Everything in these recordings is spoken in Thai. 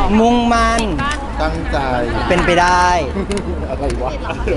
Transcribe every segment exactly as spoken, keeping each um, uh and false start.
มุ่งมั่นตั้งใจเป็นไปได้อะไรวะ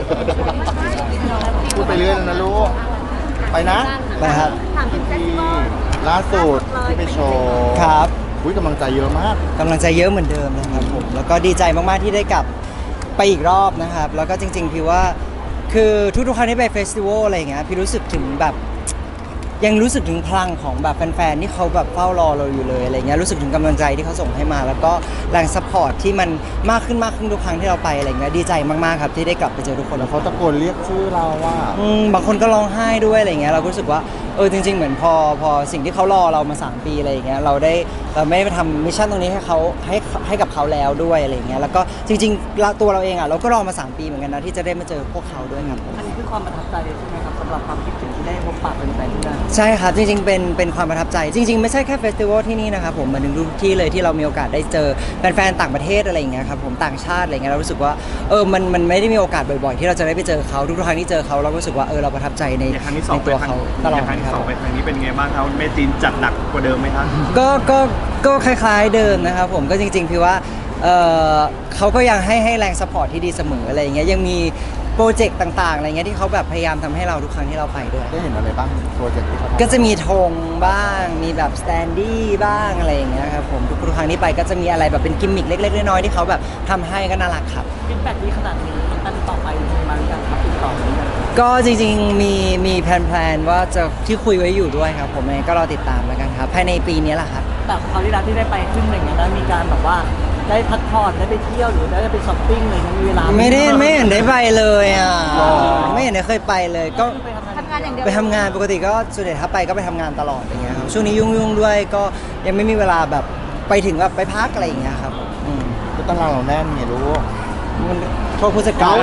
พูดไปเรื่อยแล้วนะลูกไปนะนะครับที่ล่าสุดที่ไปโชว์ครับอุ้ยกำลังใจเยอะมากกำลังใจเยอะเหมือนเดิมนะครับผมแล้วก็ดีใจมากๆที่ได้กลับไปอีกรอบนะครับแล้วก็จริงๆพี่ว่าคือทุกๆครั้งที่ไปเฟสติวัลอะไรอย่างเงี้ยพี่รู้สึกถึงแบบยังรู้สึกถึงพลังของแบบแฟนๆที่เขาแบบเฝ้ารอเราอยู่เลยอะไรเงี้ยรู้สึกถึงกำลังใจที่เขาส่งให้มา แล้วก็แรงซัพพอร์ตที่มันมากขึ้นมากขึ้นทุกครั้งที่เราไปอะไรเงี้ยดีใจมากๆครับที่ได้กลับไปเจอทุกคนแล้วเขาตะโกนเรียกชื่อเราว่าอืมบางคนก็ร้องไห้ด้วยอะไรเงี้ยเราก็รู้สึกว่าเออจริงๆเหมือนพอพอสิ่งที่เขารอเรามาสามปีอะไรอย่างเงี้ยเราได้เราไม่ได้ไปทำมิชชั่นตรงนี้ให้เขาให้ให้กับเขาแล้วด้วยอะไรเงี้ยแล้วก็จริงๆเราตัวเราเองอ่ะเราก็รอมาสามปีเหมือนกันนะที่จะได้มาเจอพวกเขาด้วยครับอันนี้คือความประทับใจใช่ไหมครับสำหรับความคิดถึงที่ได้พบปะแฟนๆที่นั่นใช่ครับจริงๆเป็นเป็นความประทับใจจริงๆไม่ใช่แค่เฟสติวัลที่นี่นะครับผมมาถึงทุกที่เลยที่เรามีโอกาสได้เจอแฟนๆต่างประเทศอะไรอย่างเงี้ยครับผมต่างชาติอะไรเงี้ยเรารู้สึกว่าเออมันมันไม่ได้มีโอกาสบ่อยๆที่เราจะได้ไปเจอเขาทุกๆครั้งที่เจอเขาเรารู้สึกว่าเออเราประทับใจในอย่างครั้งที่สอในงตัวเขาตลอดครั้งคที่รับสองไปครั้งนี้เป็นไงบ้างครับเมจีนจัดหนักกว่าเดิมไหมครับก็ก็ก็คล้ายๆเดิมนะครับผมก็จริงๆพี่ว่าเออเขาก็ยังให้ให้แรงสปอร์ตที่ดีเสมออะไรอย่างเงี้ยยังมีโปรเจกต์ต่างๆอะไรเงี้ยที่เขาแบบพยายามทำให้เราทุกครั้งที่เราไปด้วยได้เห็นอะไรบ้างโปรเจกต์ที่เขาทำก็จะมีธงบ้างมีแบบสแตนดี้บ้างอะไรอย่างเงี้ยครับผมทุกๆครั้งที่ไปก็จะมีอะไรแบบเป็นกิมมิคเล็กๆน้อยๆที่เขาแบบทำให้ก็น่ารักครับฟีดแบ็กดีขนาดนี้อันต่อไปมีมาหรือยังครับติดต่อหรือยังก็จริงๆมีมีแพลนๆว่าจะที่คุยไว้อยู่ด้วยครับผมเองก็รอติดตามแล้วกันครับภายในปีนี้แหละครับแต่คราวที่แล้วที่ได้ไปขึ้นอะไรเงี้ยได้มีการแบบว่าได้พักผ่อนได้ไปเที่ยวหรือได้ไปช้อปปิ้งเลยมีเวลาไม่ได้ไม่เห็นได้ไปเลยอ่ะไม่เห็นได้เคยไปเลยก็ไปทำงานทำงานอย่างเดียวไปทำงานปกติก็ส่วนใหญ่ถ้าไปก็ไปทำงานตลอดอย่างเงี้ยครับช่วงนี้ยุ่งๆด้วยก็ยังไม่มีเวลาแบบไปถึงแบบไปพักอะไรอย่างเงี้ยครับอืมก็ตารางเราแน่นไงลูกมันโทษผู้จัดการ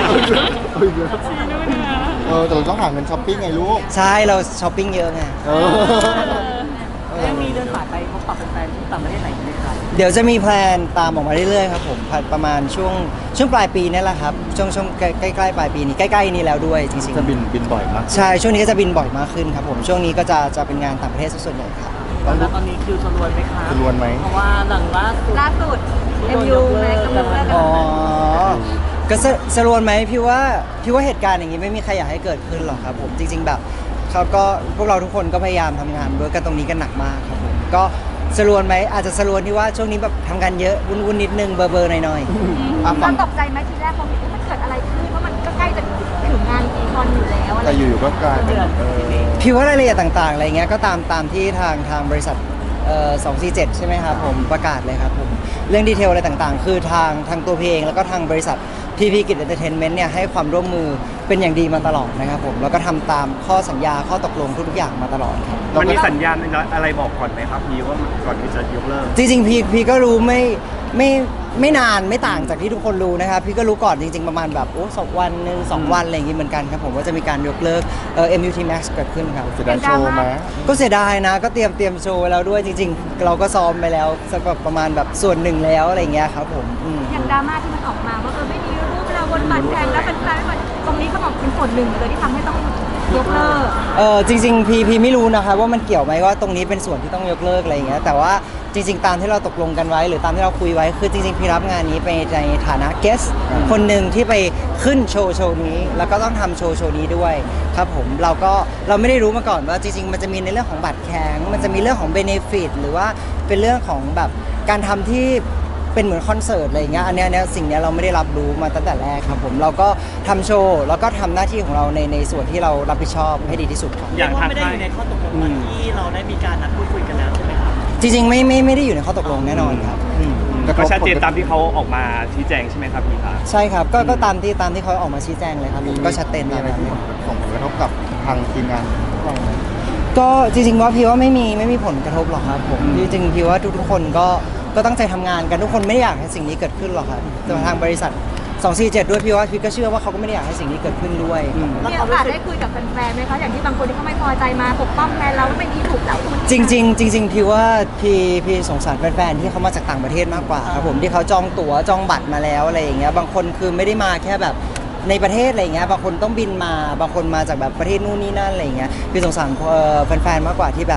เออแต่เราต้องหาเงินช้อปปิ้งไงลูกใช่เราช้อปปิ้งเยอะไงเออแล้วยังมีเดินสายไปพบปะแฟนๆที่ต่างประเทศไหนไหมครับเดี๋ยวจะมีแพลนตามออกมาเรื่อยๆครับผมประมาณช่วงช่วงปลายปีนี่แหละครับช่วงช่วงใกล้ใกล้ๆปลายปีนี้ใกล้ๆนี้แล้วด้วยจริงจะบินบินบ่อยมากๆใช่ช่วงนี้ก็จะบินบ่อยมากขึ้นครับผมช่วงนี้ก็จะจะเป็นงานต่างประเทศซะส่วนใหญ่ครับแล้วตอนนี้คิวสรวนไหมครับสรวนไหมเพราะว่าหลังล่าสุดล่าสุด เอ็ม ยู แม็กซ์กำลังเลิกกันอ๋อก็สสรวนไหมพี่ว่าพี่ว่าเหตุการณ์อย่างนี้ไม่มีใครอยากให้เกิดขึ้นหรอกครับผมจริง ๆ แบบเขาก็พวกเราทุกคนก็พยายามทำงานด้วยกันตรงนี้กันหนักมากครับผมก็สรวนไหมอาจจะสรวนที่ว่าช่วงนี้แบบทำงานเยอะวุ่นๆนิดนึงเบอร์เบอร์หน่อยอ่ะตฝั่อง นตกใจไหมทีแรกพอเห็นว่ามันเกิดอะไรขึ้นเพราะมันก็ใกล้จะถึงงานอีคอนอยู่แล้วอะไรแต่อยู่ๆก็กลายเป็นเออๆพี่ว่ารายละเอียดต่างๆอะไรเงี้ยก็ตามตามที่ทางทางบริษัทเอ่อสองสี่เจ็ดใช่ไหมครับผมประกาศเลยครับผมเรื่องดีเทลอะไรต่างๆ คือทางทางตัวพี่เองแล้วก็ทางบริษัทพีพีกิจเอนเตอร์เทนเมนต์เนี่ยให้ความร่วมมือเป็นอย่างดีมาตลอดนะครับผมแล้วก็ทำตามข้อสัญญาข้อตกลงทุกๆอย่างมาตลอดครับมันมีสัญญาณอะไรบอกก่อนไหมครับพี่ว่าก่อนที่จะยกเลิกจริงๆพี่พี่ก็รู้ไม่ไม่ไม่นานไม่ต่างจากที่ทุกคนรู้นะครับพี่ก็รู้ก่อนจริงๆประมาณแบบโอ้สองวันหนึ่งสองวันอะไรอย่างงี้เหมือนกันครับผมว่าจะมีการยกเลิกเอ่อ เอ็ม ยู ที Max เกิดขึ้นครับเสียดายโชว์ไหมก็เสียดายนะก็เตรียมเตรียมโชว์ไว้แล้วด้วยจริงๆ เราก็ซ้อมไปแล้วสักแบบประมาณแบบส่วนหนึ่งแล้วอะไรเงี้ยครับผมอืมอย่างดราม่าที่มันออกมาว่าเออไม่มีรูปเราบนบัตรแพงแล้วเป็นแฟนๆตรงนี้เขาบอกเป็นส่วนหนึ่งเลยที่ทำให้ต้องยกเลิกเออจริงๆพีพีไม่รู้นะคะว่ามันเกี่ยวไหมว่าตรงนี้เป็นส่วนที่ต้องยกเลิกอะไรอย่างเงี้ยแต่ว่าจริงๆตามที่เราตกลงกันไว้ หรือตามที่เราคุยไว้คือจริงๆพี่รับงานนี้ไปในฐานะเกสคนหนึ่งที่ไปขึ้นโชว์โชว์นี้ แล้วก็ต้องทำโชว์โชว์นี้ด้วยครับผมเราก็เราไม่ได้รู้มาก่อนว่าจริงๆมันจะมีในเรื่องของบัตรแข็งมันจะมีเรื่องของเบเนฟิตหรือว่าเป็นเรื่องของแบบการทำที่เป็นเหมือนคอนเสิร์ตอะไรอย่างเงี้ยอันเนี้ยเนี่ยสิ่งเนี้ยเราไม่ได้รับรู้มาตั้งแต่แรกครับผมเราก็ทำโชว์แล้วก็ทำหน้าที่ของเราในในส่วนที่เรารับผิดชอบให้ดีที่สุดครับอย่างทางไม่ได้ค่าอย ยู่ในข้อตกลงวันที่เราได้มีการนัดพูดคุยกันแล้วใช่ไหมครับจริงๆไม่ไม่ไม่ได้อยู่ในข้อตกลงแน่นอนครับอืมก็ชัดเจนตามที่เขาออกมาชี้แจงใช่ไหมครับพี่คะใช่ครับก็ก็ตามที่ตามที่เขาออกมาชี้แจงเลยครับก็ชัดเจนมีตามอะไรนั้นที่ส่งผลกระทบกับทางทีมงานพวกเราไหมก็จริงๆว่าพี่ว่าไม่มีไม่มีผลกระทบหรอกครับผมจริงๆพี่ว่าทุกๆคนก็ก็ตั้งใจทำงานกันทุกคนไม่ได้อยากให้สิ่งนี้เกิดขึ้นหรอกครับแต่ทางบริษัทสองสี่เจ็ดด้วยพี่ว่าพี่ก็เชื่อว่าเขาก็ไม่ได้อยากให้สิ่งนี้เกิดขึ้นด้วยมีโอกาสได้คุยกับแฟนๆไหมคะอย่างที่บางคนที่เขาไม่พอใจมาปกป้องแฟนเราว่าไม่ดีถูกแล้วจริงๆจริงๆพี่ว่าพี่พี่สงสารแฟนๆที่เขามาจากต่างประเทศมากกว่าครับผมที่เขาจองตั๋วจองบัตรมาแล้วอะไรอย่างเงี้ยบางคนคือไม่ได้มาแค่แบบในประเทศอะไรอย่างเงี้ยบางคนต้องบินมาบางคนมาจากแบบประเทศนู่นนี่นั่นอะไรอย่างเงี้ยพี่สงสารเอ่อแฟนๆมากกว่าที่แบบ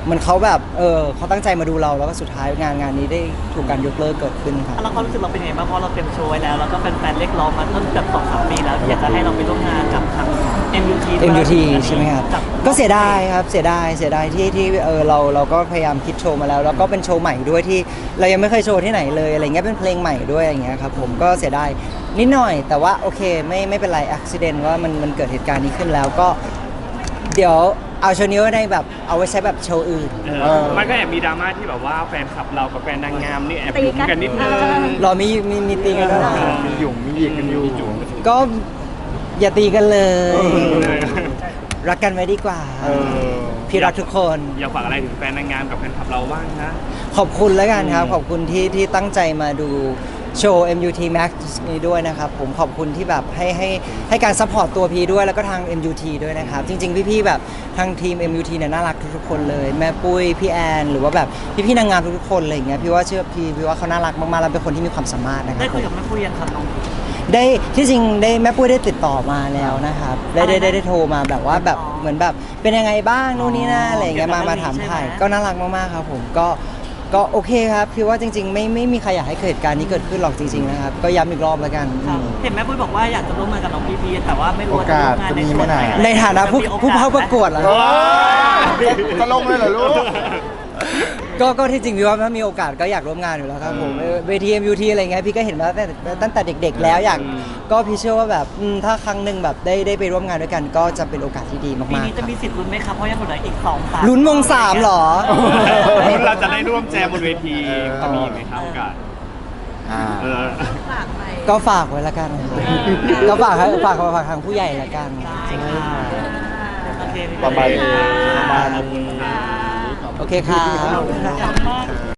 เหมือนเขาแบบเออเขาตั้งใจมาดูเราแล้วก็สุดท้ายงานงานนี้ได้ถูกการยกเลิกเกิดขึ้นครับแล้วความรู้สึกเราเป็นยังไงบ้างเพราะเราเต็มโชว์ไว้แล้วแล้วก็แฟนๆเรียกร้องมาตั้งแต่สองสามปีแล้วที่อยากจะให้เราไปร่วมงานกับทาง เอ็ม ยู ทีเอ็ม ยู ที ใช่ไหมครับกับก็เสียดายครับเสียดายเสียดายที่ที่เออเราเราก็พยายามคิดโชว์มาแล้ว แล้วก็เป็นโชว์ใหม่ด้วยที่เรายังไม่เคยโชว์ที่ไหนเลยอะไรเงี้ยเป็นเพลงใหม่ด้วยอย่างเงี้ยครับผมก็เสียดายนิดหน่อย แต่ว่าโอเคไม่ไม่เป็นไรอุบิเหตุว่ามันมันเกิดเหตุการณ์นี้ขึ้นแล้วก็ เดี๋ยวเอาโชว์นี้ไว้ในแบบเอาไว้ใช้แบบโชว์อื่นเออมันก็แอบมีดราม่าที่แบบว่าแฟนคลับเรากับแฟนนางงามนี่แอบยุ่งกันนิดนึงรอมีมีมีตีกันด้วยเหรอมีหยุ่งมีหยิกกันอยู่ก็อย่าตีกันเลยเออรักกันไว้ดีกว่าเออพี่รักทุกคนอยากฝากอะไรถึงแฟนนางงามกับแฟนคลับเราบ้างนะขอบคุณแล้วกันครับ ขอบคุณที่ที่ตั้งใจมาดูโชว์ เอ็ม ยู ที Max นี้ด้วยนะครับ ผมขอบคุณที่แบบให้ให้ให้การซัพพอร์ตตัวพีด้วยแล้วก็ทาง เอ็ม ยู ที ด้วยนะครับ จริงๆ พี่ๆแบบทางทีม เอ็ม ยู ที เนี่ยน่ารักทุกๆคนเลย แม่ปุ้ย พี่แอน หรือว่าแบบพี่ๆนางงามทุกๆคนอะไรอย่างเงี้ยพี่ว่าเชื่อพี่พี่ว่าเขาน่ารักมากๆแล้วเป็นคนที่มีความสามารถนะครัได้บคุยกับแม่ปุ้ยยังครับน้องได้ที่จริงได้แม่ปุ้ยได้ติดต่อมาแล้วนะครับได้ได้ได้ได้โทรมาแบบว่าแบบเหมือนแบบเป็นยังไงบ้างนู่นนี่นั่นอะไรอย่างเงี้ยมามาถามถ่ายก็น่ารักมากๆครับผมก็ก็โอเคครับพี่ว่าจริง ๆ ไม่ไม่มีใครอยากให้เกิดเหตุการณ์นี้เกิดขึ้นหรอกจริงๆนะครับก็ย้ำอีกรอบแล้วกันครับเห็นแม่ปุ้ยบอกว่าอยากจะร่วมงานกับน้องพีพีแต่ว่าไม่รู้ว่าจะร่วมงานในส่วนไหนในฐานะผู้ผู้เข้าประกวดเหรอโอ้ยจะลงเลยเหรอลูกก็ก็ที่จริงพี่ว่าถ้ามีโอกาสก็อยากร่วมงานอยู่แล้วครับผมเออเวที เอ็ม ยู ที อะไรเงี้ยพี่ก็เห็นมาตั้งแต่ตั้งแต่เด็ก ๆ แล้วอยากก็พี่เชื่อว่าแบบอืมถ้าครั้งหนึ่งแบบได้ได้ไปร่วมงานด้วยกัน ก็จะเป็นโอกาสที่ดีปีมากนี้ๆคจะรับมีสิทธิ์ลุ้นไหมครับเพราะยังเหลืออีกสองสามลุ้นวงสามเหรอรุ่นเราจะได้ร่วมแจมบนเวทีจะมีไหมครับโอกาสอ่าเออฝากไปก็ฝากไว้ละกันครับก็ฝากให้ฝากฝากทางผู้ใหญ่ละกันได้ค่ะโอเคพี่ประมาณเประมาณขอบคุณค่ะโอเคครับขอบคุณมาก